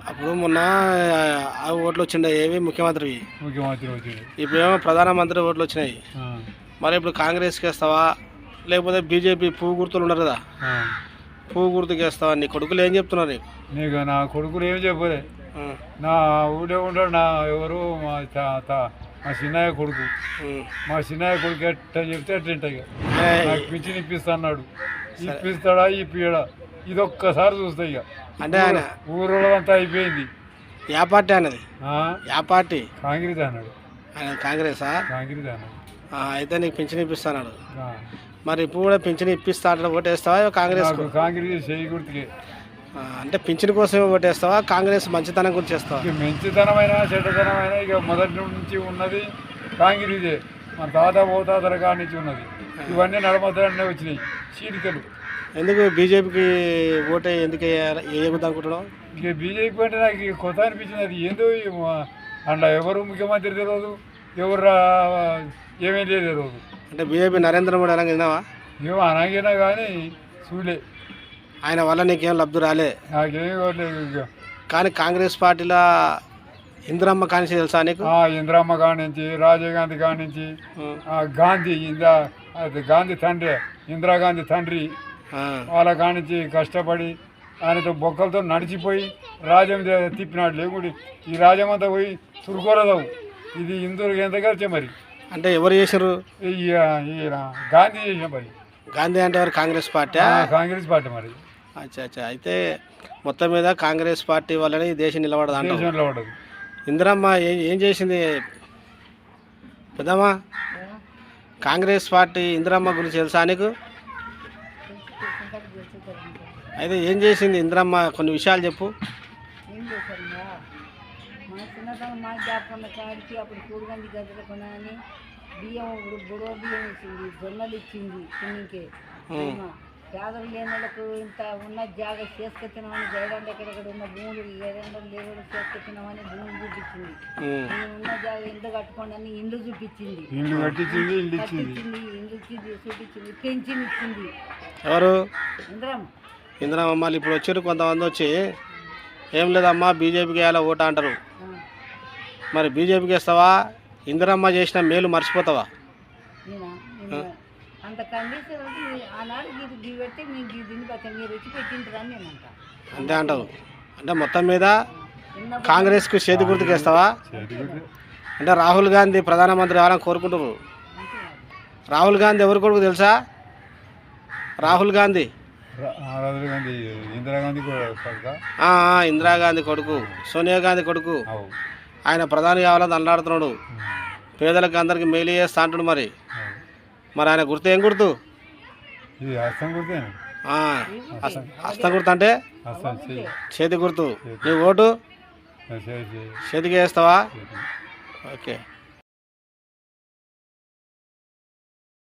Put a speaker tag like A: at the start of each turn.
A: అప్పుడు మొన్న ఆ ఓట్లు వచ్చిండే ఏవి ముఖ్యమంత్రి
B: వచ్చింది.
A: ఇప్పుడేమో ప్రధానమంత్రి ఓట్లు వచ్చినాయి. మరి ఇప్పుడు కాంగ్రెస్కి వేస్తావా లేకపోతే బీజేపీ పువ్వు గుర్తులు ఉన్నారు కదా, పువ్వు గుర్తుకి వేస్తావా? నీ కొడుకులు ఏం చెప్తున్నారు నీకు?
B: నీకు నా కొడుకులు ఏం చెప్పలే. నా ఊళ్ళో ఉంటాడు నా ఎవరు మా చిన్నయ్య కొడుకు. మా చిన్నయ్య కొడుకు ఎట్ట చెప్తే అట్ట నాకు పింఛన్ ఇప్పిస్తా అన్నాడు. ఇప్పిస్తాడా ఇప్పియడా ఇది ఒక్కసారి చూస్తా. ఇక
A: అంటే ఆయన
B: ఊరోళ్ళంతా అయిపోయింది.
A: యా పార్టీ అన్నది? యా పార్టీ?
B: కాంగ్రెస్ అన్నాడు.
A: ఆయన కాంగ్రెసా?
B: కాంగ్రెస్ అన్నాడు.
A: అయితే నీకు పింఛన్ ఇప్పిస్తాడు. మరి ఇప్పుడు కూడా పింఛన్ ఇప్పిస్తా అంటే ఓటేస్తావా కాంగ్రెస్?
B: కాంగ్రెస్ చేయి గుర్తుకే.
A: అంటే పింఛన్ కోసమే ఓటేస్తావా కాంగ్రెస్ మంచితనం గురించి చేస్తావా?
B: మంచితనమైన చెడ్డతనమైన ఇక మొదటి నుంచి ఉన్నది కాంగ్రెసే. మన తాత పోతాతల కాడి నుంచి ఉన్నది. ఇవన్నీ నడమతనే వచ్చినాయి చీలికలు.
A: ఎందుకు బీజేపీకి ఓటే ఎందుకు వేయకూడదు అనుకుంటున్నావు?
B: ఇక బీజేపీ అంటే నాకు కొత్త అనిపించింది. అది ఏందో అందులో ఎవరు ముఖ్యమంత్రి తెలియదు, ఎవరు ఏమేం తెలియదు.
A: అంటే బీజేపీ నరేంద్ర మోడీ అనగా విన్నావా?
B: ఏమో అనగినా కానీ చూలే.
A: ఆయన వల్ల నీకేం లబ్ధి రాలే?
B: నాకేం కావట్లేదు.
A: కానీ కాంగ్రెస్ పార్టీలో ఇందిరమ్మ కానించి తెలుసా నీకు?
B: ఇందిరమ్మ కానించి, రాజీవ్ గాంధీ కానించి, గాంధీ గాంధీ తండ్రి, ఇందిరాగాంధీ తండ్రి వాళ్ళ కానించి కష్టపడి ఆయనతో బొక్కలతో నడిచిపోయి రాజ్యం తిప్పినాడు. లేకుంటే ఈ రాజ్యం అంతా పోయి తురుకోరదావు. ఇది ఇందూరుకి ఎంత కలిసే మరి.
A: అంటే ఎవరు చేశారు?
B: గాంధీ చేసిన మరి.
A: గాంధీ అంటే ఎవరు? కాంగ్రెస్ పార్టీ?
B: కాంగ్రెస్ పార్టీ మరి.
A: అచ్చా అచ్చా. అయితే మొత్తం మీద కాంగ్రెస్ పార్టీ వల్లనే ఈ దేశం నిలబడదు అంటే.
B: నిలబడదు.
A: ఇందిరమ్మ ఏం చేసింది పెద్దమ్మా? కాంగ్రెస్ పార్టీ ఇందిరమ్మ గురించి తెలుసా నీకు? అయితే ఏం చేసింది ఇందిరమ్మ? కొన్ని విషయాలు చెప్పు.
C: మా చిన్నతనం మా జాపన్న కాడికి అప్పుడు కూరగాయలు గద్దెల కొనని బియ్యం బుడవ బియ్యం ఇచ్చింది, జొన్నలు ఇచ్చింది. తిన్నికే పేదలు లేని వాళ్ళకు ఇంత ఉన్న జాగా చేసుకొచ్చినామని జయడానికి ఎక్కడెక్కడ ఉన్న భూములు జయడానికి లేకుండా చేసుకొచ్చినామని భూములు చూపించింది. ఉన్న జాగా ఇల్లు కట్టుకోండి అని ఇల్లు చూపించింది.
B: ఇల్లు
C: చూపించింది. పెన్షన్ ఇచ్చింది.
A: ఎవరు?
C: ఇందిరమ్మ.
A: ఇందిరమ్మ. మళ్ళీ ఇప్పుడు వచ్చారు కొంతమంది వచ్చి ఏం లేదమ్మా బీజేపీకి వేయాలా ఓట అంటారు. మరి బీజేపీకి వేస్తావా? ఇందిరమ్మ చేసిన మేలు మర్చిపోతావా?
C: అంత కండిషన్ ఆనాడు గీ పెట్టి మేము దీన్ని బట్టి మీరు వచ్చి పెట్టింటారని నేను
A: అంతే అంటావు. అంటే మొత్తం మీద కాంగ్రెస్కు చేతి గుర్తుకు వేస్తావా? అంటే రాహుల్ గాంధీ ప్రధానమంత్రి కావాలని కోరుకుంటున్నారు. రాహుల్ గాంధీ ఎవరి కొడుకు తెలుసా? రాహుల్ గాంధీ ఇందిరాగాంధీ కొడుకు, సోనియా గాంధీ కొడుకు. ఆయన ప్రధాని కావాలని దండాడుతున్నాడు. పేదలకు అందరికి మేలు చేస్తా అంటుడు. మరి ఆయన గుర్తు ఏం గుర్తు? హస్తం గుర్తు అంటే చేతి గుర్తు. నీ ఓటు చేతికి వేస్తావా? ఓకే.